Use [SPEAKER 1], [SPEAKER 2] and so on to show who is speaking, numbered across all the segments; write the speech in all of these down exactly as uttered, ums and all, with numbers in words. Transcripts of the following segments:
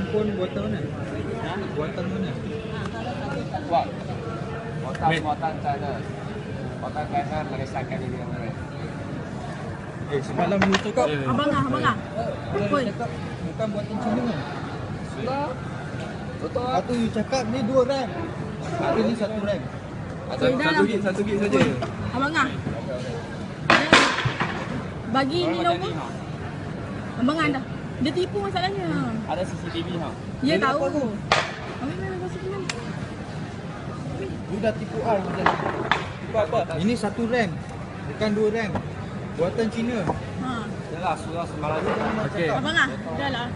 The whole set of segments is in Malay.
[SPEAKER 1] handphone buatan mana?
[SPEAKER 2] Ha?
[SPEAKER 1] Buatan mana?
[SPEAKER 2] Buat. Buatan buatan China. Buatan China meresahkan diri yang lain.
[SPEAKER 1] Eh, semalam you cakap.
[SPEAKER 3] Abang ah, abang ah.
[SPEAKER 1] Semalam
[SPEAKER 3] Oi.
[SPEAKER 1] you cakap bukan buatan Cina kan?
[SPEAKER 2] Sudah. Betul.
[SPEAKER 1] Lepas tu you cakap ni dua RAM. Tapi ni satu RAM.
[SPEAKER 2] Ada
[SPEAKER 3] Oi, dah
[SPEAKER 2] satu
[SPEAKER 3] lah.
[SPEAKER 2] gig, satu gig saja.
[SPEAKER 3] Abang ah. Bagi Lenovo. Abang ah dah. Dia tipu masalahnya.
[SPEAKER 2] Ada C C T V ha.
[SPEAKER 3] Dia
[SPEAKER 1] Dia nak
[SPEAKER 3] tahu.
[SPEAKER 1] apa aku?
[SPEAKER 3] Abang mana kasih kenal.
[SPEAKER 1] You dah tipu I macam ni. Tipu apa? Ini satu RAM. Bukan dua RAM. Buatan Cina.
[SPEAKER 3] Ha.
[SPEAKER 2] Yalah, sudah semalam ni.
[SPEAKER 1] Okey.
[SPEAKER 3] Abang ah, dah lah.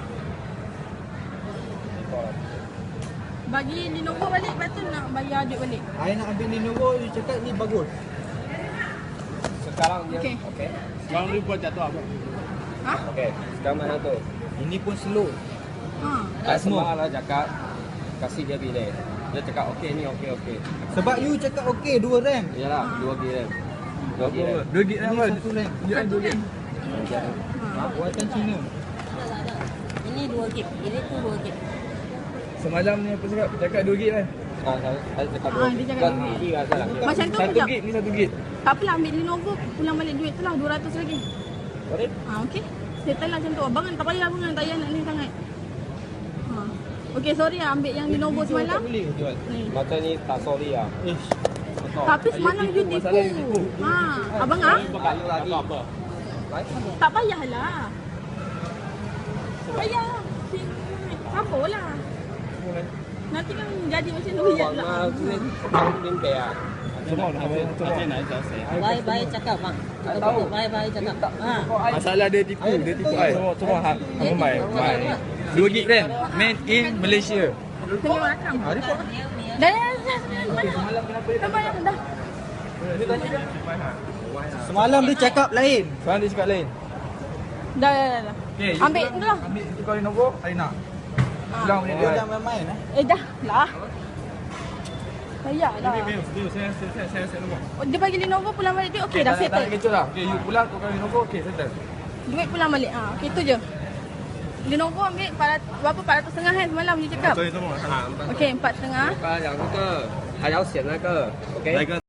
[SPEAKER 3] Bagi Lenovo balik, lepas tu nak bagi adik balik.
[SPEAKER 1] I nak ambil Lenovo, you cakap ni bagus.
[SPEAKER 2] Sekarang dia.
[SPEAKER 3] Okey.
[SPEAKER 2] Okey.
[SPEAKER 4] Sekarang ni buat jatuh apa?
[SPEAKER 3] Ha?
[SPEAKER 2] Okey. Sekarang mana tu?
[SPEAKER 1] Ini pun slow.
[SPEAKER 3] Ha.
[SPEAKER 2] Saya semalam lah cakap kasih dia bilik. Dia cakap okey ni okey okey.
[SPEAKER 1] Sebab you cakap okey dua RAM.
[SPEAKER 2] Yalah, dua gig RAM. Dua gig RAM.
[SPEAKER 4] Dua gig
[SPEAKER 1] Ini
[SPEAKER 4] apa?
[SPEAKER 1] satu RAM.
[SPEAKER 3] Satu kan?
[SPEAKER 1] Ha, buatan Cina.
[SPEAKER 5] Ini dua gig, ini tu dua gig.
[SPEAKER 4] Semalam ni apa cakap? Cakap dua gig kan?
[SPEAKER 2] Ah, saya, saya cakap
[SPEAKER 3] Ah,
[SPEAKER 2] dua.
[SPEAKER 3] dia cakap
[SPEAKER 2] Bukan
[SPEAKER 3] dua gig.
[SPEAKER 2] tiga salah.
[SPEAKER 3] Macam tu
[SPEAKER 4] Satu
[SPEAKER 3] sekejap.
[SPEAKER 4] gig ni satu gig.
[SPEAKER 3] Tak apalah, ambil Lenovo, pulang balik duit tu lah, dua ratus lagi.
[SPEAKER 2] Sorry?
[SPEAKER 3] Ha, okey. Settle lah macam tu. Abang kan tak payah abang kan, tak payah nak ni sangat. Ha. Okey, sorry lah ambil yang Lenovo
[SPEAKER 1] Video
[SPEAKER 3] semalam.
[SPEAKER 1] tak boleh jual.
[SPEAKER 3] Ni.
[SPEAKER 2] Macam ni tak sorry ah.
[SPEAKER 1] Ish.
[SPEAKER 2] Betul.
[SPEAKER 3] Tapi semalam you tipu.
[SPEAKER 4] masalah you tipu.
[SPEAKER 3] Ha, abang ah,
[SPEAKER 2] Bukan you lagi. Apa?
[SPEAKER 3] tak payahlah. Tak payah. Sabar lah. Nanti kan jadi macam tu ya
[SPEAKER 2] Wang
[SPEAKER 3] lah.
[SPEAKER 2] mah ni tahu limpe ah.
[SPEAKER 4] Semua nak apa? Semua nak
[SPEAKER 5] Baik-baik cakap bang. Kita
[SPEAKER 2] tahu.
[SPEAKER 5] buat baik-baik cakap. Ha.
[SPEAKER 4] Masalah dia tipu, dia tipu ai. Semua semua hak hak mai. Mai. dua gig RAM made in Malaysia.
[SPEAKER 3] Tengok rakam.
[SPEAKER 1] Ha, dia buat.
[SPEAKER 3] Dah, dah, dah, dah. Mana? Dah bayar dah.
[SPEAKER 1] Semalam dia cakap lain.
[SPEAKER 4] Sekarang dia cakap lain.
[SPEAKER 3] Dah, dah, dah, dah.
[SPEAKER 4] Okay, you
[SPEAKER 3] Ambil
[SPEAKER 4] pulang,
[SPEAKER 3] tu lah.
[SPEAKER 4] Ambil tu kau Lenovo, I nak. Pulang balik
[SPEAKER 1] Dia
[SPEAKER 4] dia.
[SPEAKER 1] dah main-main eh.
[SPEAKER 3] Eh dah lah. Bayar dah.
[SPEAKER 4] Bill, bill, saya saya saya saya saya nombor.
[SPEAKER 3] Oh, dia bagi Lenovo pulang balik tu okey dah
[SPEAKER 4] Tak
[SPEAKER 3] settle.
[SPEAKER 4] nak kecoh lah. Okay, you pulang tukar Lenovo, okay, settle.
[SPEAKER 3] Duit pulang balik. Ah, okey tu je. Lenovo ambil empat ratus, berapa empat ratus setengah kan semalam you cakap.
[SPEAKER 4] Sorry, nombor.
[SPEAKER 3] Okey empat setengah.
[SPEAKER 2] 那个两个还要选那个，OK？